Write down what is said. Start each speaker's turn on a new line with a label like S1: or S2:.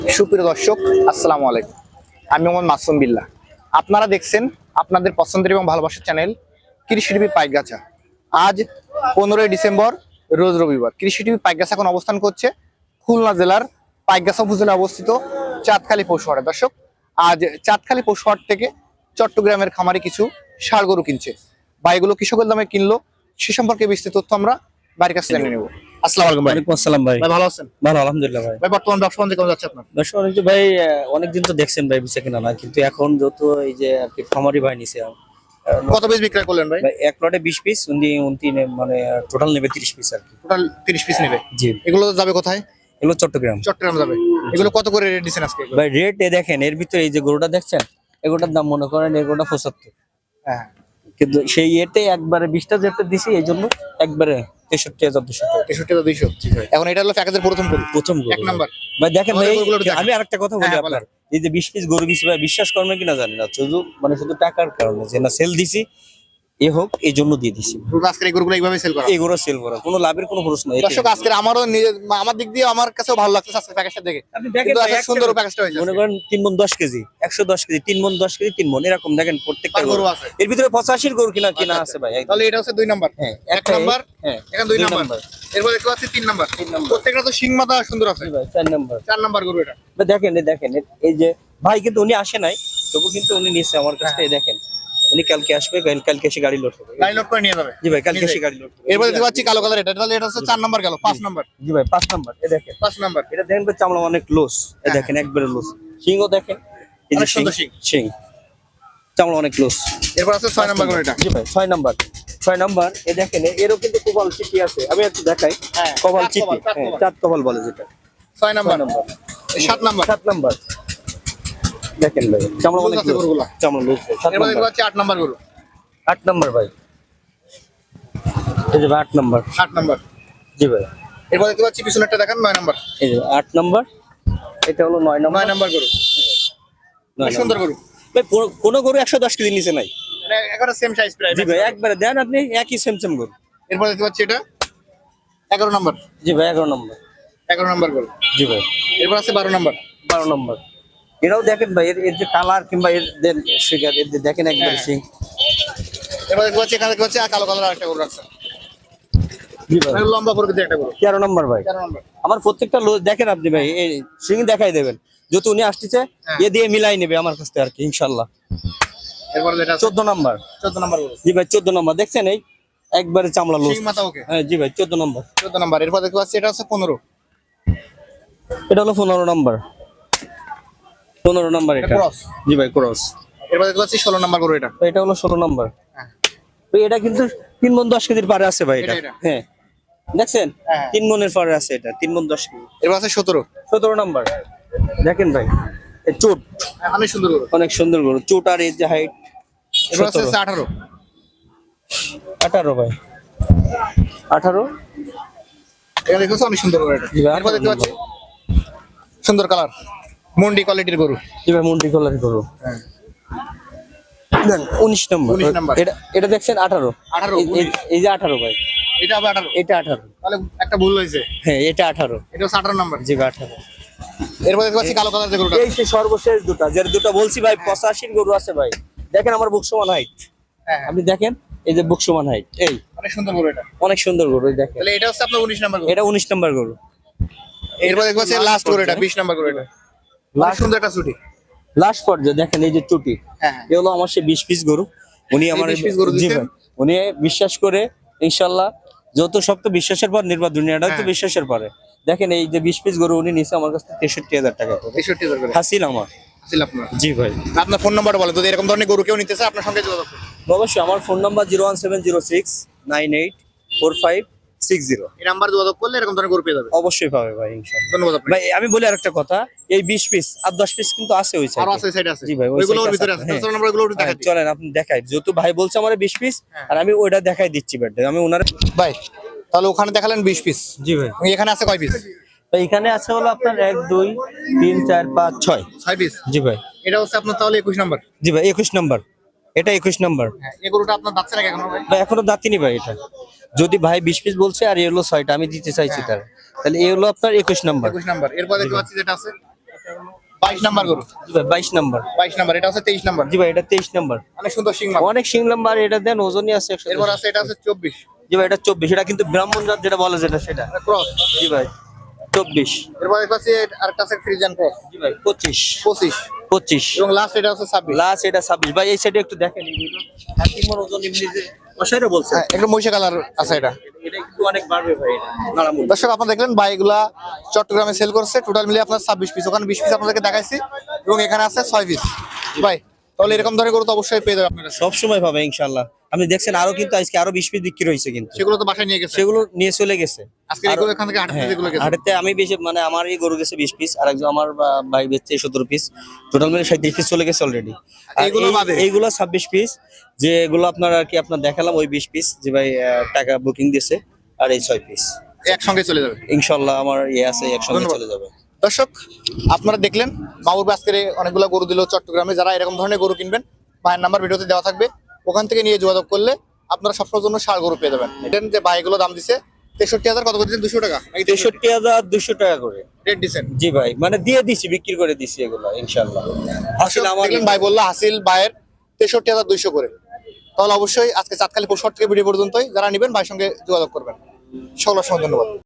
S1: সুপ্রিয় দর্শক, আসসালামু আলাইকুম। আমি মোহাম্মদ মাসুম বিল্লাহ। আপনারা দেখছেন আপনাদের পছন্দের এবং ভালোবাসার চ্যানেল কৃষি টিভি পাইকগাছা। আজ 15ই ডিসেম্বর, রোজ রবিবার। কৃষি টিভি পাইকগাছা এখন অবস্থান করছে খুলনা জেলার পাইকগাছা উপজেলায় অবস্থিত চাঁদখালী পশুহাটে। দর্শক, আজ চাঁদখালী পশুহাট থেকে চট্টগ্রামের খামারে কিছু ষাঁড় গরু কিনছে। বা এগুলো কৃষকের দামে কিনলো, সে সম্পর্কে বিস্তারিত তথ্য আমরা বাড়ির কাছে জেনে নেব। আসসালামু আলাইকুম ভাই।
S2: ওয়ালাইকুম আসসালাম ভাই।
S1: ভাই ভালো আছেন?
S2: ভালো আলহামদুলিল্লাহ ভাই।
S1: ভাই বর্তমান ব্যবসা বাণিজ্য কেমন যাচ্ছে আপনার?
S2: ব্যবসা বাণিজ্য ভাই অনেকদিন তো দেখছেন ভাই বেচা কিনা না, কিন্তু এখন যত এই যে আর কি খামারি ভাই নিছে
S1: কত পিস বিক্রয় করলেন ভাই?
S2: ভাই এক লটে 20 পিস, উনি মানে টোটাল নেবে 30 পিস আর কি।
S1: টোটাল 30 পিস নেবে।
S2: জি,
S1: এগুলো যাবে কোথায়?
S2: এগুলো চট্টগ্রাম।
S1: চট্টগ্রাম যাবে। এগুলো কত করে রেট দিচ্ছেন আজকে?
S2: ভাই রেট দেখেন, এর ভিতরে এই যে গরুটা দেখছেন, এগুলোটার দাম মনে করেন এগুলোটা 75,
S1: হ্যাঁ,
S2: কিন্তু সেই এতে একবারে 20টা যেতে দিছি এই জন্য একবারে 63,200 টাকা।
S1: 63,200। এখন এটা হলো প্যাকেজের প্রথম গরু,
S2: প্রথম গরু
S1: এক নাম্বার।
S2: ভাই দেখেন ভাই,
S1: আমাদের গরুগুলো একটু
S2: আমি আরেকটা কথা বলি
S1: হ্যাঁ,
S2: আপনার, এই যে 20 পিস গরু দিছি ভাই, বিশ্বাস করবেন কিনা জানি না, শুধু টাকার কারণে যে না সেল দিছি এ হোক এই জন্য দিয়ে দিছি।
S1: গরু আজকের এই গরুগুলো এইভাবে সেল করা।
S2: এগুলো সেল করা কোনো লাভের কোনো প্রশ্ন নেই।
S1: দর্শক, আজকের আমার দিক দিয়ে আমার কাছেও ভালো লাগছে আজকের প্যাকেজটা দেখে।
S2: আপনি দেখেন
S1: কিন্তু
S2: ভাই,
S1: আজকে সুন্দর প্যাকেজটা হয়েছে।
S2: মনে করেন 3 মণ 10 কেজি, 110 কেজি, 3 মণ 10 কেজি, 3 মণ এরকম দেখেন প্রত্যেকটা
S1: আর
S2: গরু
S1: গরু আছে।
S2: এর ভিতরে 85 গরু কিনা আছে ভাই।
S1: তাহলে এটা হচ্ছে 2 নাম্বার।
S2: হ্যাঁ,
S1: এক নাম্বার,
S2: হ্যাঁ,
S1: এখন 2 নাম্বার। এরপর দেখতে পাচ্ছি 3 নাম্বার। প্রত্যেকটা তো শিং মাথা সুন্দর আছে।
S2: ভাই 4 নাম্বার।
S1: 4 নাম্বার গরু এটা।
S2: ভাই দেখেন এই যে ভাই, কিন্তু উনি আসে নাই, তবু কিন্তু উনি নিচ্ছে আমার কাছ থেকে। দেখেন উনি কালকে আসবে, কালকে এসে গাড়ি লোড হবে।
S1: লাইন লোড করে নিয়ে যাবে।
S2: জি ভাই, কালকে এসে গাড়ি লোড হবে।
S1: এরপর দেখতে পাচ্ছি কালো কালার এটা। তাহলে এটা হচ্ছে 4 নাম্বার গেল। 5 নাম্বার।
S2: জি ভাই 5 নাম্বার। এ দেখেন
S1: 5 নাম্বার।
S2: এটা দেখেন ভাই, চামড়া অনেক লুজ। এ দেখেন একবারে লুজ, সিংও দেখেন, এই যে
S1: অনেক সুন্দর
S2: সিং চামড়া অনেক লুজ।
S1: এরপর আছে 6 নাম্বার গরু এটা।
S2: জি ভাই 6 নাম্বার। এ দেখেন এরও কিন্তু কপাল চিঠি আছে, আমি একটু দেখাই।
S1: হ্যাঁ,
S2: কপাল
S1: চাঁদ
S2: চিঠি,
S1: কপাল, চাঁদ
S2: হ্যাঁ,
S1: কপাল।
S2: চাঁদ কপাল বলে যেটা।
S1: 6 নাম্বার। 7 নাম্বার।
S2: 7 নাম্বার দেখেন ভাই, চামড়া অনেক
S1: লুজ আছে
S2: লুজ,
S1: গরুগুলা।
S2: চামড়া লুজ। 7
S1: এরপর দেখতে
S2: নাম্বার।
S1: পাচ্ছি 8 নাম্বার গরু।
S2: 8 নাম্বার ভাই, এই যে ভাই 8 নাম্বার।
S1: 8 নাম্বার।
S2: জি ভাই,
S1: এরপর দেখতে পাচ্ছি পিছনেরটা দেখেন 9 নাম্বার।
S2: এই যে 8 নাম্বার, এটা হলো 9 নাম্বার।
S1: 9 নাম্বার গরু।
S2: 9
S1: অনেক সুন্দর গরু।
S2: ভাই কোন গরু 110 কেজি নিচে নাই।
S1: মানে একেবারে সেম সাইজ প্রায়।
S2: জি ভাই একবারে দেন আপনি, একই সেম গরু।
S1: এরপর দেখতে পাচ্ছি এটা 11 নাম্বার।
S2: জি ভাই 11 নাম্বার।
S1: 11 নাম্বার গরু।
S2: জি ভাই
S1: এরপর আছে 12 নাম্বার।
S2: 12 নাম্বার। এরাও দেখেন ভাই, এর যে কালার কিংবা এর ফিগার, এর যে দেখেন একবারে
S1: হ্যাঁ।
S2: সিং।
S1: এরপর দেখতে পাচ্ছি এখানে দেখতে পাচ্ছি কালো কালার আরেকটা গরু আছে।
S2: জি ভাই
S1: মানে লম্বা প্রকৃতির একটা গরু।
S2: 13 নাম্বার ভাই।
S1: 13 নাম্বার।
S2: আমার প্রত্যেকটা দেখেন আপনি ভাই, এই সিং দেখাই দেবেন, যত উনি আসতেছে
S1: হ্যাঁ।
S2: এ দিয়ে মিলাই নেবে আমার কাছ থেকে আর কি ইনশাআল্লাহ।
S1: এরপর যেটা আছে
S2: 14 নাম্বার।
S1: 14 নাম্বার গরু।
S2: জি ভাই 14 নাম্বার, দেখছেন এই একবারে চামড়া লুজ।
S1: শিং মাথা ওকে।
S2: হ্যাঁ জি ভাই 14 নাম্বার।
S1: 14 নাম্বার। এরপর দেখতে পাচ্ছি এটা আছে 15।
S2: এটা হলো 15 নাম্বার। 15 নাম্বার
S1: এটা
S2: এটা।
S1: ক্রস।
S2: জি ভাই ক্রস।
S1: এরপর দেখতে পাচ্ছি 16 নাম্বার গরু এটা।
S2: তো এটা হলো 16 নাম্বার।
S1: হ্যাঁ।
S2: তো এটা কিন্তু 3 মণ 10 কেজির পারে আছে ভাই এটা।
S1: এটা।
S2: হ্যাঁ দেখছেন,
S1: হ্যাঁ।
S2: 3 মণের পারে আছে এটা, 3 মণ 10 কেজি।
S1: এরপর আছে 17।
S2: 17 নাম্বার। দেখেন ভাই এই চুট
S1: অনেক সুন্দর গরু।
S2: অনেক সুন্দর গরু, চুট আর এই যে হাইট।
S1: এরপর আছে 18।
S2: 18 ভাই 18।
S1: এটা দেখতেছো অনেক সুন্দর গরু এটা।
S2: জি ভাই,
S1: এরপর দেখতে পাচ্ছি সুন্দর কালার মন্ডি কোয়ালিটির গরু।
S2: জি ভাই মুন্ডি কলার গরু।
S1: হ্যাঁ।
S2: Then 19 number.
S1: 19 নাম্বার।
S2: এটা দেখছেন 18।
S1: 18,
S2: এই যে 18 ভাই,
S1: এটা হবে 18।
S2: এটা 18।
S1: তাহলে একটা ভুল হয়েছে।
S2: হ্যাঁ এটা 18।
S1: এটা হচ্ছে 18 নাম্বার।
S2: জি ভাই 18।
S1: এরপর দেখতে পাচ্ছি কালো কালার যে গরুটা।
S2: এই যে সর্বশেষ দুটা, যে দুটা বলছি ভাই 85 গরু আছে ভাই। দেখেন আমার বুক সমান হাইট,
S1: হ্যাঁ।
S2: আপনি দেখেন এই যে বুক সমান হাইট, এই
S1: অনেক সুন্দর গরু এটা।
S2: অনেক সুন্দর গরু। এই দেখেন
S1: তাহলে এটা হচ্ছে আপনার 19 নাম্বার গরু।
S2: এটা 19 নাম্বার গরু।
S1: এরপর দেখতে পাচ্ছি লাস্ট গরু এটা 20 নাম্বার গরু এটা। অনেক সুন্দর একটা ছুটি।
S2: লাস্ট পর্যায়ে দেখেন এই যে চুটি,
S1: হ্যাঁ।
S2: এ হলো আমার সে 20 পিস গরু। উনি আমার
S1: 20 piece গরু
S2: জি
S1: দিছেন?
S2: ভাই, উনি বিশ্বাস করে ইনশাআল্লাহ, যত সব তো বিশ্বাসের পর নির্ভর, দুনিয়াটা তো
S1: হ্যাঁ।
S2: বিশ্বাসের পরে। দেখেন এই যে 20 পিস গরু উনি নিছে আমার কাছ থেকে 63,000 টাকা করে।
S1: 63,000 করে।
S2: হাসিল আমার।
S1: আসল আপনার।
S2: জি ভাই
S1: আপনার ফোন নাম্বারটা বলেন, যদি এরকম ধরনের গরু কেউ নিতে চায় আপনার সঙ্গে যোগাযোগ করুন।
S2: অবশ্যই, আমার ফোন নাম্বার 01706984560।
S1: এই নাম্বার যোগাযোগ করলে এরকম ধরনের গরু পেয়ে যাবে।
S2: অবশ্যই পাবে ভাই ইনশাআল্লাহ।
S1: ধন্যবাদ আপনাকে।
S2: ভাই আমি বলি আরেকটা কথা, এই 20 পিস আর 10 পিস কিন্তু আছে ওই
S1: আরো
S2: সাইডে।
S1: আছে সাইডে আছে।
S2: জি ভাই, ওই
S1: ওইগুলোর
S2: side
S1: ভিতরে
S2: আছে,
S1: আছে।
S2: হ্যাঁ।
S1: 14 নাম্বার গুলো একটু দেখাই দিই।
S2: চলেন আপনি দেখাই, যেহেতু ভাই বলছে আমার 20 পিস,
S1: হ্যাঁ।
S2: আর আমি ওইটা দেখাই দিচ্ছি ব্যাট, আমি ওনার।
S1: ভাই তাহলে ওখানে দেখালেন 20 পিস।
S2: জি ভাই,
S1: এখানে আছে কয় পিস?
S2: তো এখানে আছে হলো আপনার 1 2 3 4 5 6।
S1: 6 পিস।
S2: জি ভাই।
S1: এটা হচ্ছে আপনার তাহলে 21 নাম্বার।
S2: জি ভাই 21 নাম্বার। এটা 21 নাম্বার
S1: হ্যাঁ, এই গরুটা আপনার দাঁতছে নাকি এখনো ভাই?
S2: ভাই, এখনো দাঁতিনি ভাই এটা। যদি ভাই 20 পিস বলছে আর এ হলো 6টা, আমি দিতে চাইছি
S1: হ্যাঁ।
S2: তার, তাহলে এ হলো আপনার 21 নাম্বার।
S1: 21 নাম্বার। এরপর দেখতে পাচ্ছি যেটা আছে 22 নাম্বার গরু,
S2: জি ভাই 22 নাম্বার।
S1: 22 নাম্বার, এটা হচ্ছে 23 নাম্বার।
S2: জি ভাই এটা 23 নাম্বার।
S1: অনেক সুন্দর সিং মাপ।
S2: অনেক সিং নাম্বার, এটা দেন ওজনই আছে 100।
S1: এরপর আছে এটা হচ্ছে 24,
S2: জি ভাই এটা 24, এটা কিন্তু ব্রাহ্মণ জাত যেটা বলে যেটা সেটা।
S1: ক্রস।
S2: জি ভাই 24।
S1: এরপর এটা আছে আরেকটা আছে ফ্রিজিয়ান ক্রস,
S2: জি ভাই 25।
S1: 25 এবং লাস্ট এটা হচ্ছে 26।
S2: লাস্ট এটা 26 ভাই। এই সাইডে একটু দেখেন, এইগুলো হাতিমর ওজন এমনি যে কষাইরা বলছে,
S1: হ্যাঁ, একটু মহিষা কালার আছে এটা।
S2: এটা কিন্তু অনেক বাড়বে ভাই এটা নাড়ামুড়ি।
S1: দর্শক আপনারা দেখলেন ভাই এগুলা চট্টগ্রামে সেল করছে, টোটাল মিলে আপনার 26 পিস, ওখানে 20 পিস আপনাদেরকে দেখাইছি এবং এখানে আছে 6 পিস। ভাই তাহলে এরকম ধরনের গরু তো অবশ্যই পেয়ে যাবেন আপনারা,
S2: সব সময় পাবে ইনশাআল্লাহ। আপনি দেখছেন আরো কিন্তু আজকে আরো 20 পিস বিক্রি হয়েছে, কিন্তু
S1: সেগুলো তো বাসায় নিয়ে গেছে,
S2: সেগুলো নিয়ে চলে গেছে।
S1: আজকে এগুলো এখান থেকে হাটে যেগুলো গেছে।
S2: হাটেতে আমি বেশি মানে আমার এই গরু গেছে 20 পিস, আর একজন আমার ভাই বেচছে 17 পিস, টোটাল মিলে 37 পিস চলে গেছে অলরেডি।
S1: এইগুলো বাদে?
S2: এইগুলো 26 পিস, যে এগুলো আপনার আর কি আপনার দেখালাম ওই 20 পিস যে ভাই টাকা বুকিং দিয়েছে, আর এই 6 পিস
S1: একসঙ্গে চলে যাবে
S2: ইনশাআল্লাহ আমার আছে একসঙ্গে
S1: ধন্যবাদ।
S2: চলে যাবে।
S1: দর্শক আপনারা দেখলেন মামুর আজকের অনেকগুলো গরু দিল চট্টগ্রামে। যারা এরকম ধরনের গরু কিনবেন, ভাইয়ের নাম্বার ভিডিওতে দেওয়া থাকবে, ওখান থেকে নিয়ে যোগাযোগ করলে আপনারা সবসময়ের জন্য ষাঁড় গরু পেয়ে যাবেন। দেখেন যে ভাইগুলো দাম দিছে 63,000, কত করে দিচ্ছেন? 200 টাকা নাকি
S2: 63,200 টাকা করে।
S1: রেট দিচ্ছেন?
S2: জি ভাই মানে দিয়ে দিছি, বিক্রি করে দিছি এগুলো ইনশাআল্লাহ। আসলে আমার
S1: দেখলেন ভাই বললো হাসিল ভাইয়ের 63,200 করে। তাহলে অবশ্যই আজকে চাঁদখালি পশুহাট থেকে ভিডিও পর্যন্তই, যারা নেবেন ভাইয়ের সঙ্গে যোগাযোগ করবেন। সকলের সঙ্গে ধন্যবাদ।